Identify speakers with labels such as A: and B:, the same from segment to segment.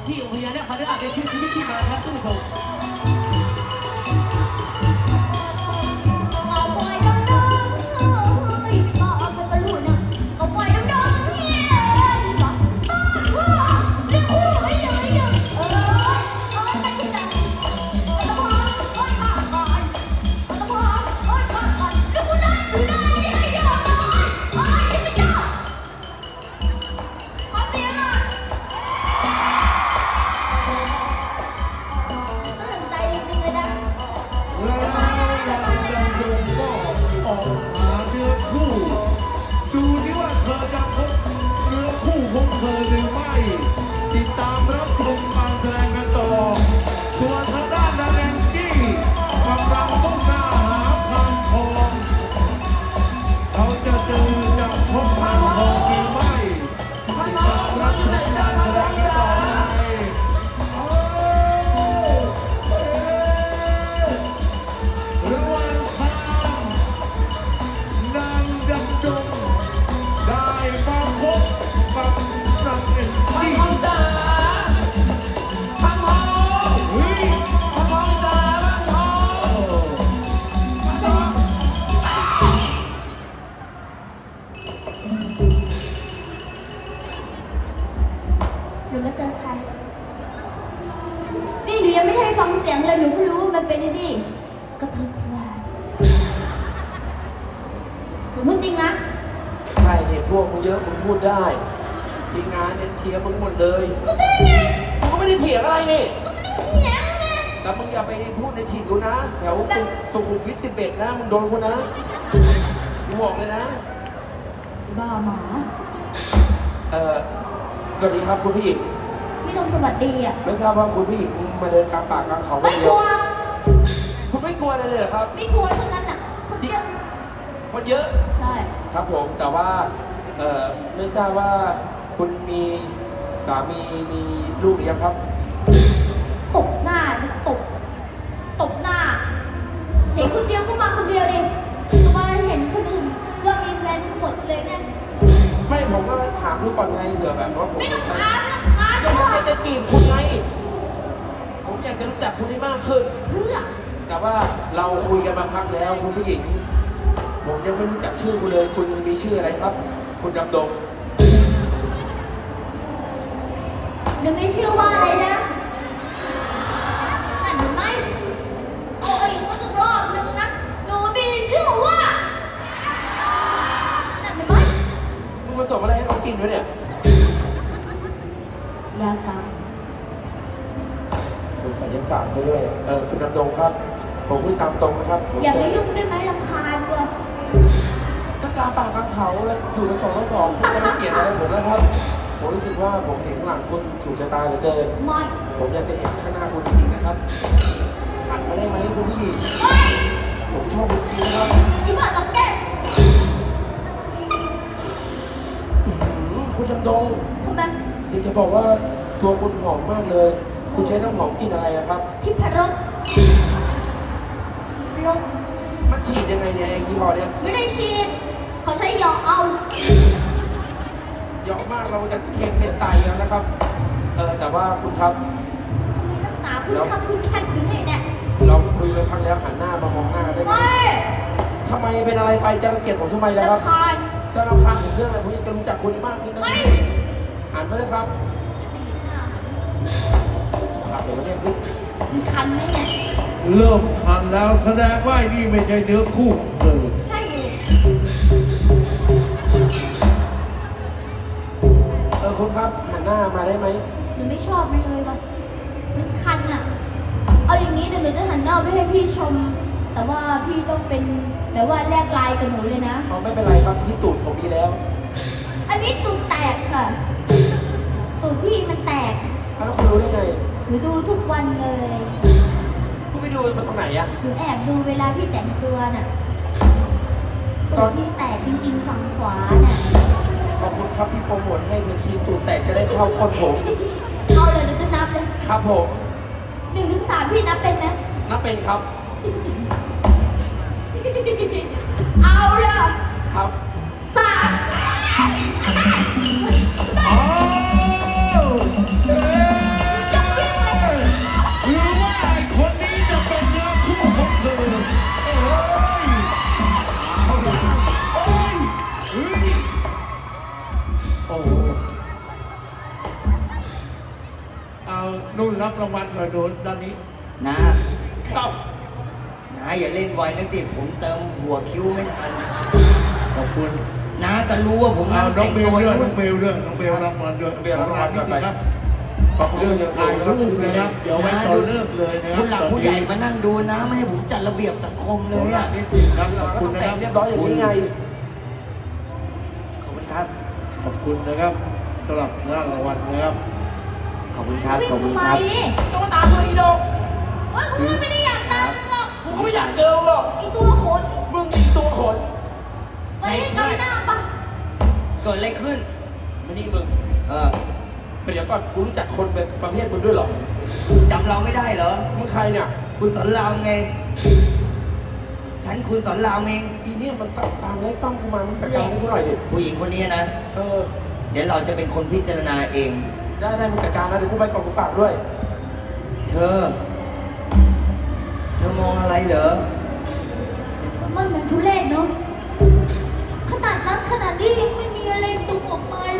A: ที่องค์พญานาคราชได้ชื่อชีวิตที่มาครับท่านผู้ชม
B: ติดตามรับชมการแสดงกันต่อส่วนทางด้านนาแองจี้กำลังมุ่งหน้าหาพานทองเขาจะเจอกับพบพานทองหรือไม่ติดตามรับชมการแสดงกันต่อระหว่างทางนางดำดงได้มาพบกับนางเอ็นจี้
C: จ้าพันทองพันทองจ้าพันทองพันทอง
D: หนูมาเจอใครนี่หนูยังไม่ได้ฟังเสียงเลยหนูก็รู้ว่ามันเป็นไอ้นี่กระเทยควายหนูพูดจริงนะ
C: ใช่เนี่ยพวกมึงเยอะมึงพูดได้ทีมงานเนี่ยเชียร์มึงหมดเลย
D: ก็ใช่ไง
C: มึงก็ไม่ได้เถียงอะไรนี่
D: ก็ไม่ได้เถียงไง
C: แต่มึงอย่าไปพูดในถิ่นกูนะ แถวสุขุมวิท11นะมึงโดนกูนะกูบอกเลยนะ
D: บ้าหมา
C: สวัสดีครับคุณผู้หญิง
D: ไม่ต้องสวัสดีอ่ะ
C: ไม่ทราบว่าคุณผู้หญิงมาเดินกลางป่ากลางเขาคน
D: ไม่
C: เดี
D: ก
C: ยว
D: ลัว
C: คุณไม่กลัวอะไรเลยเหรอครับ
D: ไม่กลัวทั้งนั้นอ่ะคนเยอะ
C: คนเยอะ
D: ใช่
C: ครับผมแต่ว่าไม่ทราบว่าคุณมีสามีมีลูกหรือยังครับ
D: ตบหน้าตบหน้า เห็นคนเดียวก็มาคนเดียวดิทำไมเห็นคนอื่นว่ามีแฟนทั้งหมดเลยไง
C: ไม่ผมก็ถามดูก่อนไงเผื่อแบบว่าผม
D: ไม่ต้องถาม
C: ก็ผมอยากจะจีบคุณไงผมอยากจะรู้จักคุณให้มากขึ้น
D: เพื่อ
C: แต่ว่าเราคุยกันมาพักแล้วคุณผู้หญิง ผมยังไม่รู้จักชื่อคุณเลยคุณมีชื่ออะไรครับ คุณดำดง
D: หนูไม่เชื่อว่าอะไรนะนั่นหนูไม่เอาอีกสักรอบหนึ่งนะหนูไม่เชื่อว่านั่นหนูไม่
C: มึงผสมอะไรให้เขากินวะเนี่ย
D: ยาสา
C: เป็นศิลศาสตร์ซะด้วยคุณดำดงครับผมพูดตามตรงนะครับผม
D: อย่าไปยุ่งได้ไหมรำคาญว่ะ
C: ก็กลางป่ากลางเขาแล้วอยู่กัน2 ต่อ 2คุณไม่ได้เกลียดอะไรผมนะครับ ผมรู้สึกว่าผมเห็นข้างหลังคุณถูกชะตาเหลือเกิน
D: ไม่
C: ผมอยากจะเห็นข้างหน้าคุณจริงๆนะครับหันมาได้ไหมคุณผู้หญิงผมชอบคุณจริงนะครับ
D: อีบ้าจับแก้ม
C: คุณดำดง
D: ทำไม
C: อยากจะบอกว่าตัวคุณหอมมากเลย คุณใช้น้ำหอมกลิ่นอะไรอะครับ
D: ทิพรสรส
C: มันฉีดยังไงเนี่ยไอ้ยี่ห้อเนี่ย
D: ไม่ได้ฉีดเขาใช้หยอกเอา
C: เยอะมากเราจะเค็มเป็นไตแล้วนะครับ แต่ว่าคุณครับ
D: ทำไมนักหนาคุณขับคุณแคทอยู่นี่เนี่ย
C: เราคุยไปพักแล้วหันหน้ามามองหน้าได้ไหม
D: ไม่
C: ทำไมเป็นอะไรไปจะรังเกียจผมทำไมแล้วครับ
D: รำคาญ
C: จะรำคาญผมเรื่องอะไรผมอยากจะรู้จักคุณให้มากขึ้นนะ
D: ไม่
C: หันมาเลยครับ
D: จะดีดหน้า
C: ขาดเลยวะเนี่ยเฮ้ย
D: มันคันไหมเนี่ย
B: เริ่มคันแล้วแสดงว่านี่ไม่ใช่เนื้อคู่ของเธอ
D: ใช่อยู่
C: คุณครับหันหน้ามาได้ไหม
D: หนูไม่ชอบมันเลยว่ะมันคันอ่ะ เอาอย่างนี้เดี๋ยวหนูจะหันหน้าไปให้พี่ชม แต่ว่าพี่ต้องเป็นแบบว่าแลกไลน์กับหนูเลยนะ
C: ไม่เป็นไรครับที่ตูดผมมีแล้ว
D: อันนี้ตูดแตกค่ะ ตูดพี่มันแตก
C: แล้วคุณรู้ได้ไง
D: หนูดูทุกวันเลย
C: คุณไปดูมันตรงไหนอะ
D: หนูแอบดูเวลาพี่แต่งตัวน่ะ
C: ต
D: ตู
C: อน
D: ดพี่แตกจริงๆฝั่งขวาน่ะ
C: ขอบคุณครับที่โปรโมทให้เพลงชีตูดแตกจะได้เข้าก้นผม
D: เอาเลยหนูจะนับเลย
C: ครับผม
D: 1 ถึง 3พี่นับเป็นไหม
C: นับเป็นครับ
D: เอาเลย
C: ครับ
D: 3
B: อ้าวอ้โหเอานุ่นรับรางวัลหน่อยโดนด้านนี้
A: นะครับ น้าอย่าเล่นไวนะติผมเติมหัวคิ้วไม่ทัน
B: ขอบคุณ
A: น้าก็รู้ว่าผม
B: เอา
A: นั่ง
B: น้อง
A: แต่ง
B: เบล
A: ตัว
B: ด้วยน้องเบลรับรางวัลด้วย
C: เบลรับรางวัลด้วย
B: ครับ
C: ขอบคุณเรื่องยังสู
B: ถ่าย
C: งนะครับ
B: รูปเลยครับ เดี๋ยวไว้ตอนเลิกเลยนะครั
A: ผู้หลักผู้ใหญ่
B: ตอนนี้
A: มานั่งดูน้าไม่ให้ผมจัดระเบียบสังคมเล
B: ผู้
A: ย
B: หลั
A: อ่ะ
B: กนิดหนึ่งครับขอบ
C: ก็
B: คุ
C: ต้
B: ณ
C: อง
B: นะ
C: แต่
B: ค
C: ง
B: รับ
C: เรียบร้อยอย่างนี้ไง
A: ขอบคุณครับ
B: ขอบคุณนะครับสำหรับรางวัลนะครับ
A: ขอบคุณครับ
D: วิ่ง
A: ขอบคุณ
D: ทำไม
A: ครับ
C: ต้องมาตามเลยอีโดง
D: ว่ากูไม่ได้อยากตามมึงหรอก
C: กูก็ไม่อยากเจอหรอก
D: ไอตัวขน
C: มึงมีตัวขน
D: ไปให้ไกลหน้าปะ
A: เกิดอะไรขึ้น
C: มานี่มึง
A: เออ
C: เดี๋ยวก่อนกูรู้จักคนแบบประเภทมึงด้วยเหรอ
A: จำเราไม่ได้เหรอ
C: มึงใครเนี่ย
A: คุณสอนรามไง ฉันคุณสอนรามเอง
C: อีเนี่ยมันตามไล่ปั้มกูมา มึงจัดการให้กูหน่อยดิ
A: ผู้หญิงคนนี้นะ
C: เออ
A: เดี๋ยวเราจะเป็นคนพิจารณาเอง
C: ได้มึงจัดการนะเดี๋ยวกูไปก่อนกูฝากด้วย
A: เธอมองอะไรเหรอ
D: มันเหมือนทุเรศเนาะขนาดนั้นขนาดนี้ยังไม่มีอะไรตุ่มออกมาเลย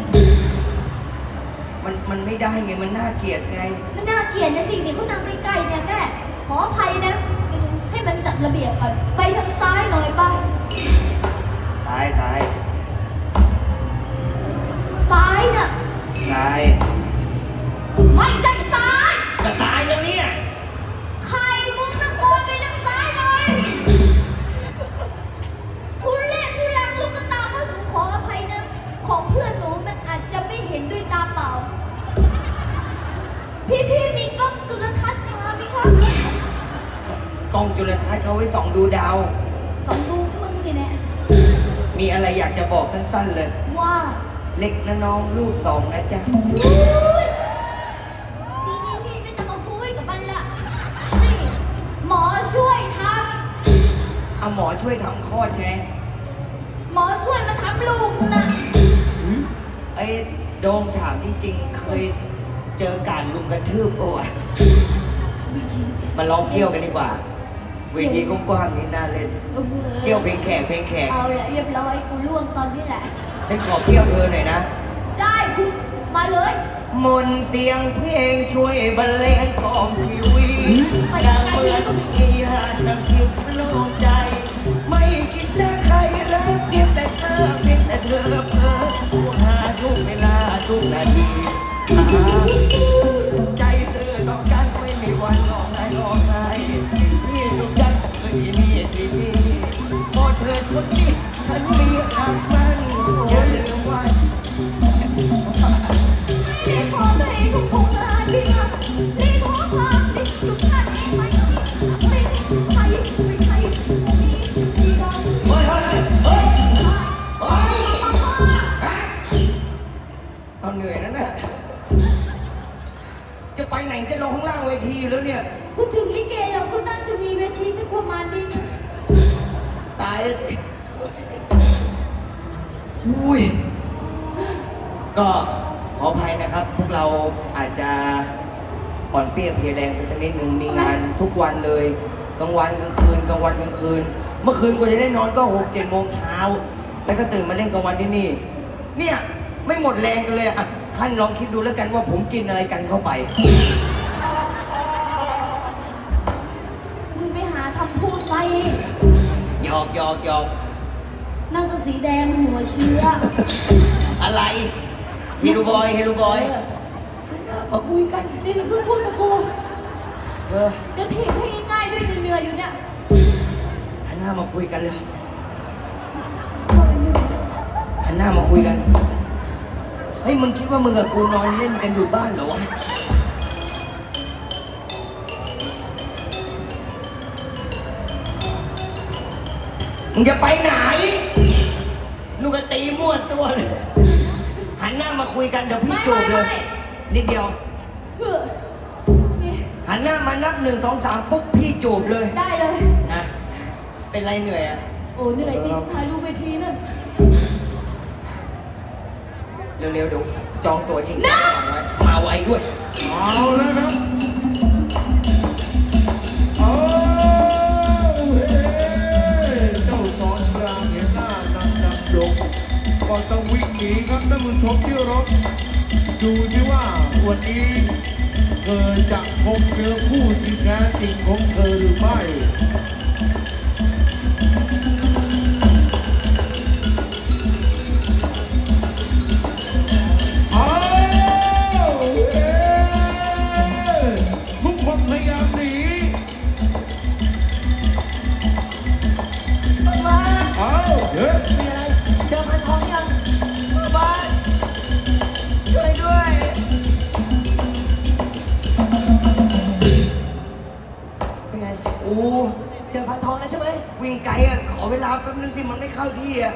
A: มันไม่ได้ไง มันน่าเกลียดไง
D: ไม่น่าเกลียดนะสิ่งนี้เขานั่งใกล้ๆเนี่ยแม่ขออภัยนะเดี๋ยวหนูให้มันจัดระเบียบก่อนไปทางซ้ายหน่อยปะ
A: ซ้าย
D: ซ้ายน่ะ
A: ซ้าย
D: ไม่ใช่ซ้าย
A: จะซ้ายแล้วเนี่ย
D: ใครมึงตะโกนไปทางซ้ายหน่อยทุเรศทุลังลูกกระตาเขาหนูขออภัยนะของเพื่อนหนูมันอาจจะไม่เห็นด้วยตาเปล่าพี่มีกล้องจุลทรรศน์มาไหมคะ
A: กล้องจุลทรรศน์เขาไว้ส่องดูดาว
D: สองดูมึงสิเนี่ย
A: มีอะไรอยากจะบอกสั้นๆเลย
D: ว่า
A: เล็กนะน้องลูกสองนะจ๊ะ
D: นี่ไม่ต้องมาคุยกับมันละนี่หมอช่วยท
A: เอาหมอช่วยทำคลอดไง
D: ำหมอช่วยมาทำลูกนะ
A: ไอ้โดมถามจริงๆ เคยเจอการลุมกระทืบปะวะมาลองเกี่ยวกันดีกว่า เวทีกว้างๆนี่น่าเล่น เกี่ยวเพลงแขก
D: เอาแหละเรียบร้อยกูล่วงตอนนี้แหละ
A: ฉันขอเกี่ยวเธอหน่อยนะ
D: ได้กูมาเลย
A: มนต์เสียงเพลงช่วยบรรเลงกล่อมชีวิตดังเหมือนมีหาดน้ำทิพย์ชโลมใจ ไม่คิดนะใครรักเพียงแต่เธอเพียงแต่เธอเพ้อหาทุกเวลาทุกนาทีหาใจซื่อต่อกันไม่มีวันร้องไห้พี่สุขจันไม่มีที่นี่โอ้เธอคนนี้ฉันมีรักมันอย่าลืมไว้
D: รีบขอเพลงของผมนะพี่นะรีบขอความรีบสุดท้ายเองไหมไม่ใครมีเรา
A: เฮ้ยเอาเหนื่อยนั่นน่ะจะไปไหนจะลงข้างล่างเวทีแล้วเนี่ย
D: พูดถึงลิเกเราก็น่าจะมีเวทีสักประมาณนี้นะ
A: ตายแล้วสิอุ้ย ก็ขออภัยนะครับ พวกเราอาจจะอ่อนเปรี้ยเพลียแรงไปสักนิดนึง มีงานทุกวันเลย กลางวันกลางคืน กลางวันกลางคืน เมื่อคืนกว่าจะได้นอนก็6-7 โมงเช้า แล้วก็ตื่นมาเล่นกลางวันที่นี่ เนี่ยไม่หมดแรงกันเลยอ่ะ ท่านลองคิดดูแล้วกันว่าผมกินอะไรกันเข้าไป
D: มึงไปหาคำพูดไป
A: หยอก
D: น่าจะสีแดงหัวเชื้อ
A: อะไรเฮลูบอย
D: เออ
A: มาคุยกัน
D: นี่เพิ่งพูดกับกู
A: เออ
D: เดี๋ยวถีบให้ง่ายๆด้วยเหนื่อยๆอยู่เนี่ย
A: หันหน้ามาคุยกันเลยหันหน้ามาคุยกัน เฮ้ยมึงคิดว่ามึงกับกูนอนเล่นกันอยู่บ้านเหรอวะ มึงจะไปไหนลูกก็ตีมั่วซั่วเลย หันหน้ามาคุยกันเดี๋ยวพี่จูบเลย นิดเดียว
D: เฮ้อนี่
A: หันหน้ามานับ1 2 3ปุ๊บพี่จูบเลย
D: ได้เลย
A: นะ เป็นไรเหนื่อยอ่ะ
D: โอ้เหนื่อยจริงถ่ายรูปไปทีนึง
A: เร็วๆเดี๋ยวจองตัวจริงจังก่อนไว้มาไวด้วย
B: เอาแล้วครับเอาเฮ้เจ้าสอนรามเห็นหน้านางดำดงก็ต้องวิ่งหนีครับท่านผู้ชมที่รบดูที่ว่าวันนี้เธอจะพบเนื้อคู่ที่แท้จริงของเธอหรือไม่ทุกคนพยายามหนี
A: บ้าน
B: เอาเฮ้ย
A: มีอะไรเจอพันทองยังบ้านช่วยด้วยเป็นไงโอ้เจอพันทองแล้วใช่ไหมวิ่งไกลอ่ะขอเวลาแป๊บนึงสิมันไม่เข้าที่อ่ะ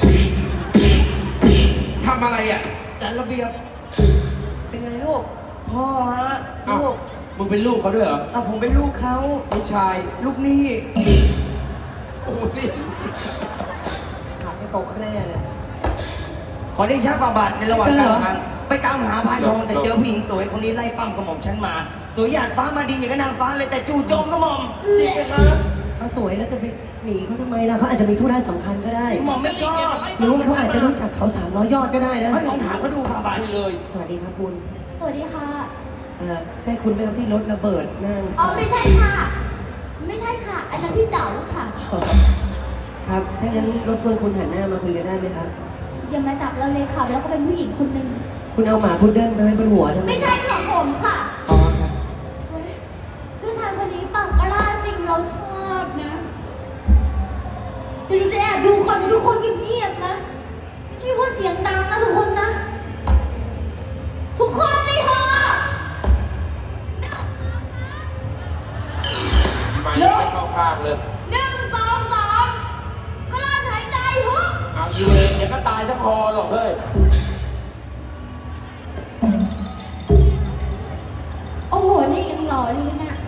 C: ทำอะไรอ่ะ
A: จัดระเบียบเป็นไงลูกพ่อฮะ
C: เอ้า
A: ลูก
C: มึงเป็นลูกเขาด้วยเหรอ
A: อ่ะผมเป็นลูกเขา
C: ลูกชาย
A: ลูกหนี่
C: โอ้สิ
A: หาให้ตกแน่เลยขอได้ชักฝ่าบาทในระหว่าง
E: เจอเห
A: ก
E: ร
A: ลา
E: อ
A: งทางไปตามหาพานทองแต่เจอผู้หญิงสวยคนนี้ไล่ปั้มกระหม่อมฉันมา สวยหยาดฟ้ามาดินอย่างกับนางฟ้าเลยแต่จู่โจมกระหม่อมจริงไหมครับ
E: เขาสวยแล้วจะไปหนีเขาทำไมล่ะเขาอาจจะมีธุระสำคัญก็ได้
A: กระหม่อมไม่ชอบ
E: หรือว่าเขาอาจจะรู้จักเขา300 ยอดก็ได้นะ
A: พานทองถามเขาดูฝ่าบาท
C: คุยเลย
E: สวัสดีครับคุณ
D: สวัสดีค่ะ
E: ใช่คุณไหมครับที่รถระเบิดนั่ง
D: อ๋อไม่ใช่ค่ะ ไม่ใช่ค่ะ อันนั้นพี่เต๋าค่ะ
E: ครับ ถ้างั้นรบกวนคุณหันหน้ามาคุยกันได้ไหมครับ
D: อย่ามาจับเราเลยค่ะ แล้วก็เป็นผู้หญิงคนหนึ่ง
E: คุณเอาหมาพุดเดิ้ลไปไว้บนหัวทำไม
D: ไม่ใช่ของผมค่ะ
E: อ๋อครับ
D: ผู้ชายคนนี้ปากกล้าจริงเราชอบนะเดี๋ยวดูจะแอบดูคนทุกคนเงียบๆนะ ไม่ใช่ว่าเสียงดังนะทุกคนนะ ทุกคนในหอ
C: ไม่ไม่เข้าข้างเลย
D: 1 2 3กลั้นหายใจฮึบ
C: เอาอีเลยเดี๋ยวก็ตายทั้งคอหรอกเฮ้ย
D: โอ้โห นี่ยังหล่ออยู่เลยนะ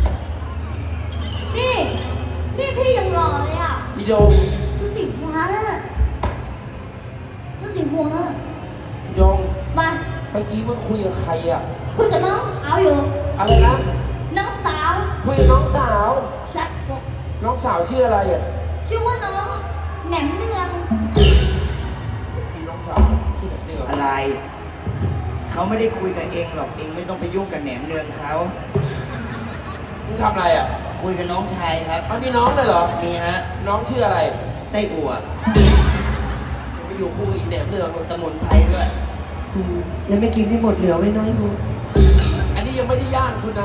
D: นี่พี่ยังหล่อเลยอ่ะ
C: พี่โยง
D: ชุดสีฟ้าน่ะชุดสีฟ้า
C: พี่โยง
D: มา
C: เมื่อกี้มึงคุยกับใครอ่ะ
D: คุยกับน้องสาวอยู่
C: อะไรนะ
D: น้องสาว
C: คุยกับน้องสาว
D: ใช่บอก
C: น้องสาวชื่ออะไรอ่ะ
D: ชื่อว่าน้องแหนมเนือง
C: มีน้องสาวชื่อเดือ
A: อะไร เขาไม่ได้คุยกับเองหรอกเองไม่ต้องไปยุ่งกับแหนมเนืองเขา
C: มึงทำอะไรอ่ะ
A: คุยกับน้องชายครับ
C: มันมีน้องเลยเหรอ
A: มีฮะ
C: น้องชื่ออะไร
A: ไส้อั่ว
C: ไปอยู่คู่กับอีแหนมเนือง
A: สมุนไพรด้วย
E: แล้วไม่กินให้หมดเหลือไว้น้อยคุณ
C: อันนี้ยังไม่ได้ย่างคุณนะ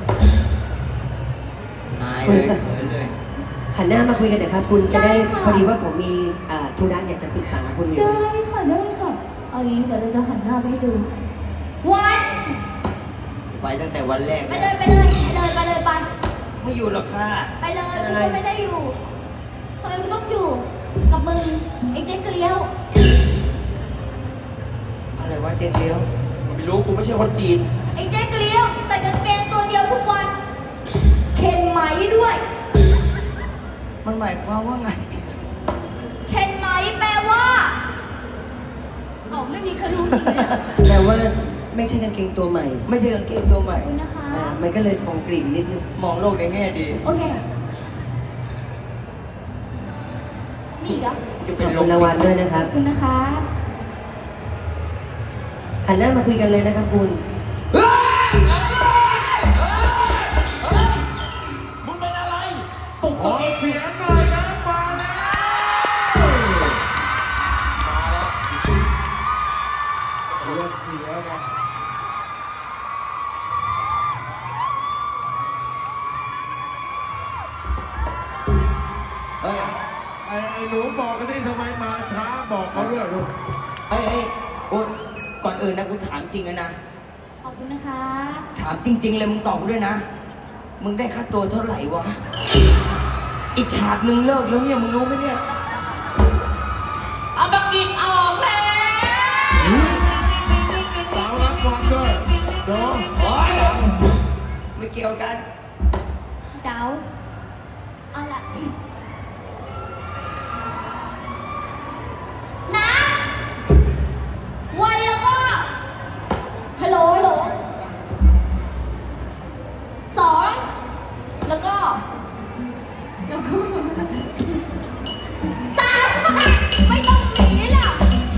A: หายเลยเขินเลย
E: หันหน้ามาคุยกันหน่อยครับ คุณจะได้พอดีว่าผมมีธุระอยากจะปรึกษาคุณอยู่
D: ได้ค่ะได้ค่ะ เอางี้เดี๋ยวเราจะหันหน้าไปให้ดู วัน
A: ไปตั้งแต่วันแรก
D: ไปเลยไปเลยไปเลยไปเลยไป
A: ไม่อยู่หรอกค่ะ
D: ไปเลยกูก็ไม่ได้อยู่ทำไมกูต้องอยู่ กับมึงไอ้เจ๊เกลียว
A: อะไรวะเจ๊เลี้ยว
C: ไม่รู้กูไม่ใช่คนจีน
D: ไอ้เจ๊เกลียวใส่กางเกงตัวเดียวทุกวัน เข็นไหมด้วย
A: มันหมายความว่าไง
D: เข็นไหมแปลว่าเอ้าไม่มีใครรู้จริงเลยอะ
E: แต่ว่าไม่ใช่กางเกงตัวใหม่
A: ไม่ใช่กางเกงตัวใหม่
D: ขอบคุณนะคะ
E: มันก็เลยส่งกลิ่นนิดนึง
A: มองโลกในแง่ดี
D: โอเคมีอีกเหรอ
A: จะ
E: ข
A: เป็น
E: อบ
A: ล
E: คุ
A: ม
E: ณรางวัลด้วยนะค
D: ข
E: รั
D: อ
E: บบ
D: คุณนะคะ
E: หันหน้ามาคุยกันเลยนะครับคุณ
C: มึงเป็นอะไร
A: ปลุก
B: ข
A: ตั
B: อ
A: วเอง
B: เสียงหน่อยนะมาแล้ว
C: มาแล้ว
B: เรื่องเสียนะ
A: เฮ้ย
B: ไอ้หนูบอกกันที่ทำไมมาช้าบอกเขาด้วยลูก
A: เฮ้ยโอ้ก่อนอื่นนะกูถามจริงนะ
D: ขอบคุณนะคะ
A: ถามจริง ๆ เลยมึงตอบกูด้วยนะ มึงได้ค่าตัวเท่าไหร่วะ อีกฉากหนึ่งเลิกแล้วเนี่ยมึงรู้ไหมเนี่ย
D: เอาบักกินออกแล้ว
B: สาวรับฟังด้วยโดน
A: โอ๊ยไม่เกี่ยวกัน
D: เดาเอาละนะวันแล้วก็ฮัลโหลฮัลโหลสองแล้วก็สามไม่ต้องหนีล่ะ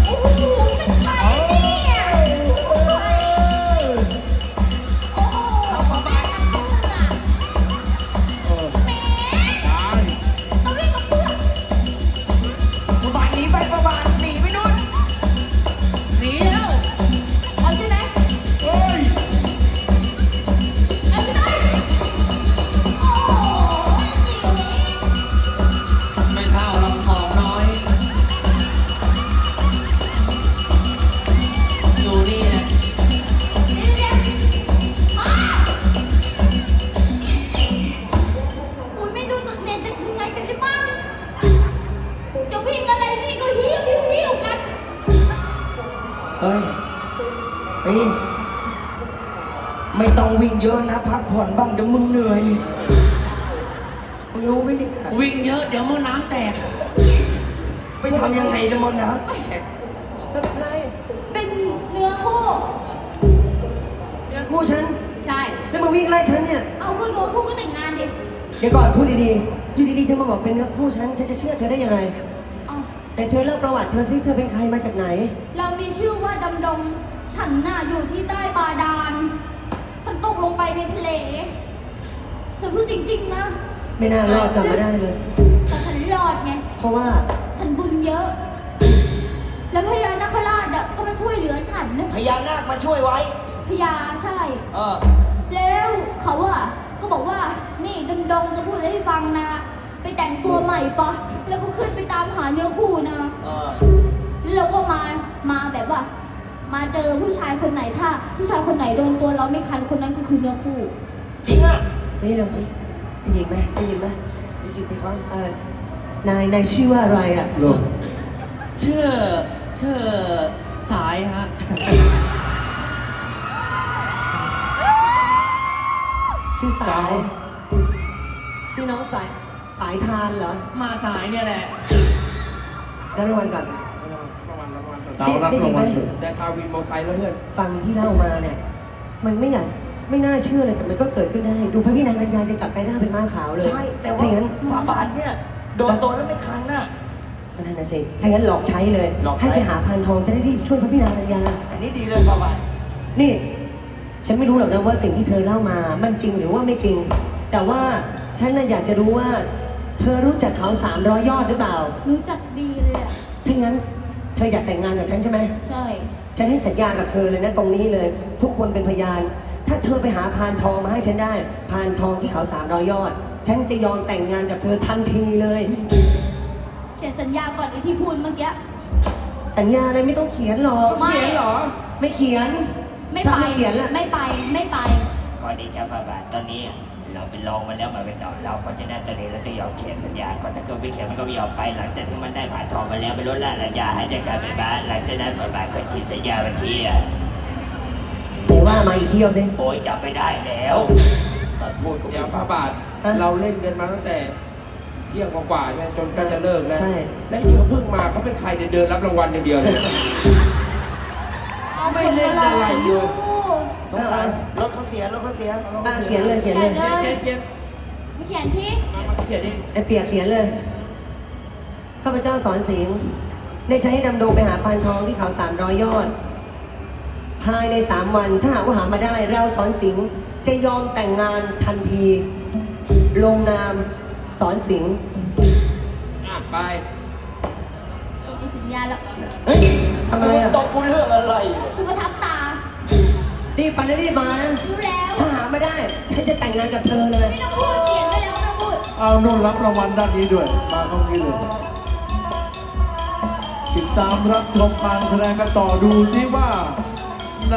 A: เฮ้ย เฮ้ย ไม่ต้องวิ่งเยอะนะ พักผ่อนบ้างเดี๋ยวมึงเหนื่อย มึงรู้ไหมเนี่ย
F: วิ่งเยอะเดี๋ยวมือน้ำแตก
A: ไปทำยังไงจะมอนน้ำเธอเป็นใคร
D: เป็นเนื้อคู่
E: เนี่ยคู่ฉัน
D: ใช่
E: แล้วมาวิ่งไล่ฉันเนี่ย
D: เอาก็เนื้อคู่ก็แต่งงานดิ
E: เดี๋ยวก่อนพูดดีๆอยู่ดีๆเธอมาบอกเป็นเนื้อคู่ฉันจะเชื่อเธอได้ยังไง
D: เอา
E: แต่เธอเล่าประวัติเธอซิเธอเป็นใครมาจากไหน
D: เรามีชื่อว่าดำดง ฉันน่ะอยู่ที่ใต้บาดาล ฉันตกลงไปในทะเล ฉันพูดจริงๆนะ
E: ไม่น่ารอดกลับมาได้เลย
D: แต่ฉันรอดไง
E: เพราะว่า
D: ฉันบุญเยอะ แล้วพญานาคราชอะก็มาช่วยเหลือฉันนะ
A: พญานาคมาช่วยไว้
D: พญาใช่
A: เออ
D: แล้วเขาอะก็บอกว่า นี่ดำดงจะพูดอะไรให้ฟังนะ ไปแต่งตัวใหม่ปะ แล้วก็ขึ้นไปตามหาเนื้อคู่นะ
A: เออ
D: แล้วเราก็มาแบบว่า มาเจอผู้ชายคนไหนถ้า ผู้ชายคนไหนโดนตัวเราไม่คันคนนั้นก็คือเนื้อคู่
A: จริงอ่ะ
E: นี่เลยได้ยินไหมได้ยินไหม
C: ได้ยินไหมครับ
E: นายชื่อว่าอะไรอ่ะ
B: เหรอ
F: ชื่อสายฮะ
E: ชื่อสาย ชื่อน้องสายทานเหรอ
F: มาสายเนี่ยแหละ
E: รับรางวัลก่อน
C: ประมาณ
B: ดาวรับรางวัลเถอะ
C: ได้คาวินมอไซค์แล้วเพื่อน
E: ฟังที่เล่ามาเนี่ย มันไม่น่าเชื่อเลยแต่มันก็เกิดขึ้นได้ ดูพระพี่นางกัญญาจะกลับไปหน้าเป็นม้าขาวเลย
A: ใช่ แต่ว่า
E: ถ้าอย่างนั้น
A: ฝาบาทเนี่ย โดนตัวแล้วไม่คันน่ะ
E: ก็นั่นนะสิถ้าอย่างนั้นหลอกใช้เลย
A: หลอกใช้
E: ให้ไปหาพานทองจะได้รีบช่วยพระพี่นางกัญญา
A: อันนี้ดีเลยฝาบาท
E: นี่ ฉันไม่รู้หรอกนะว่าสิ่งที่เธอเล่ามามันจริงหรือว่าไม่จริง แต่ว่าฉันน่ะอยากจะรู้ว่า เธอรู้จักเขา300 ยอดหรือเปล่า
D: รู้จักดีเลยอะ
E: ถ้างั้นเธออยากแต่งงานกับฉันใช่ไหม
D: ใช่
E: ฉันให้สัญญากับเธอเลยนะตรงนี้เลย ทุกคนเป็นพยาน ถ้าเธอไปหาพานทองมาให้ฉันได้ พานทองที่เขา300 ยอด ฉันจะยอมแต่งงานกับเธอทันทีเลย
D: เขียนสัญญาก่อนไอ้ที่พูดเมื่อกี้
E: สัญญาอะไรไม่ต้องเขียนหรอก
D: ไม่
E: เขียนเหรอ ไม่เขียน
D: ไม่
E: ถ้า
D: ไป
E: ไม่เขียนล่ะ
D: ไม่ไป ไม่ไป
A: ก่อนที่จะฝาบาทตอนนี้เราเป็นรองมาแล้วมาเป็นต่อเราเพราะฉะนั้นตอนนี้เราต้องยอมเขียนสัญญาก่อนถ้าเกิดไม่เขียนมันก็ไม่ยอมไป หลังจากที่มันได้ผ่านทองมาแล้วไปลดละสัญญาให้จากการเป็นบ้านหลังจากนั้นฝาบาทก็ฉีดสัญญาบัญชีอ่ะ
E: ไหนว่ามาอีกเที่ยวสิ
A: โอ้ยจำไม่ได้แล้ว
C: ตอนพูดกับ
A: เดี๋ยว
C: ฟ้าบาท
E: ฮะ
C: เราเล่นกันมาตั้งแต่เที่ยงกว่าๆเนี่ยจนใกล้จะเลิกแล้ว
E: ใช่
C: และนี่เขาเพิ่งมาเขาเป็นใครเนี่ยเดินรับรางวัลอย่างเดียวเลย ไม่เล่นอะไรเลย
A: สงสารรถเขาเสียรถเขาเสีย
E: เขียนเลยเขียนเลย
D: เขียนเลย
C: เขียน
D: ไม่เขียนที่
C: มาเขียนดิ
E: ไอเปียกเขียนเลย ข้าพเจ้าสอนสิงห์ได้ใช้ให้ดำดงไปหาพานทองที่เขา300 ยอด ภายใน3 วันถ้าหากว่าหามาได้ เราสอนสิงห์จะยอมแต่งงานทันที ลงนามสอนสิงห์
C: อ่ะไป
D: ตกในสัญญาแล้ว
E: เฮ้ยทำอะไรอ่ะ
A: ตบกูเรื่องอะไร
D: คือประทับตา
E: รีบไปแล้วรีบมานะ
D: รู้แล้ว
E: ถ้าหาไม่ได้ ฉันจะแต่งงานกับเธอเลย
D: ไม่ต้องพูด เขียนไปแล้วไม่ต้องพูด
B: เอานู่นรับรางวัลด้านนี้ด้วย มาเข้านี้เลย ติดตามรับชมการแสดงกันต่อดูที่ว่า